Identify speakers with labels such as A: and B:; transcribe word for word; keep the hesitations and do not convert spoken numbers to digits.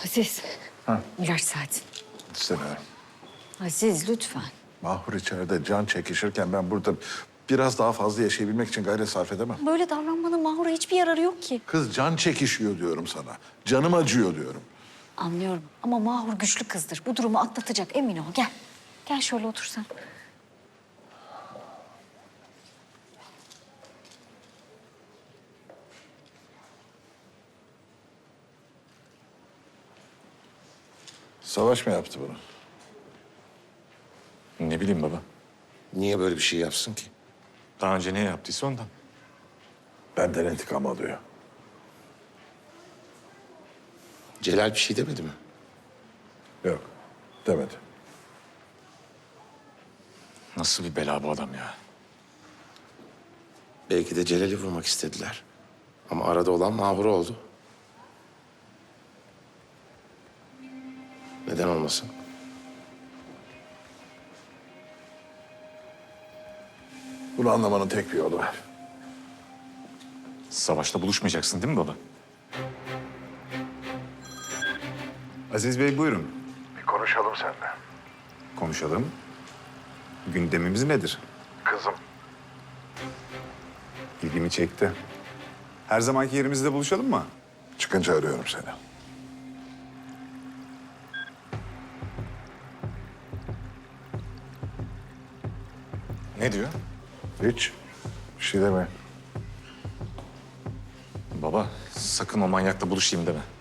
A: Aziz.
B: Ha.
A: İlaç saati.
B: İstemiyorum.
A: Aziz lütfen.
B: Mahur içeride can çekişirken ben burada biraz daha fazla yaşayabilmek için gayret sarf edemem.
A: Böyle davranmanın Mahur'a hiçbir yararı yok ki.
B: Kız can çekişiyor diyorum sana. Canım acıyor diyorum.
A: Anlıyorum ama Mahur güçlü kızdır. Bu durumu atlatacak, emin ol. Gel. Gel şöyle otur sen.
B: Savaş mı yaptı bunu?
C: Ne bileyim baba.
D: Niye böyle bir şey yapsın ki?
C: Daha önce ne yaptıysa ondan.
B: Benden intikam alıyor.
D: Celal bir şey demedi mi?
B: Yok, demedi.
C: Nasıl bir bela bu adam ya?
D: Belki de Celal'i vurmak istediler. Ama arada olan Mahur oldu. Neden olmasın?
B: Bunu anlamanın tek bir yolu var.
C: Savaşta buluşmayacaksın değil mi baba?
E: Aziz Bey buyurun.
B: Bir konuşalım seninle.
E: Konuşalım. Gündemimiz nedir?
B: Kızım.
E: İlgimi çekti. Her zamanki yerimizde buluşalım mı?
B: Çıkınca arıyorum seni.
C: Ne diyor?
B: Hiç. Bir şey deme.
C: Baba sakın o manyakla buluşayım deme.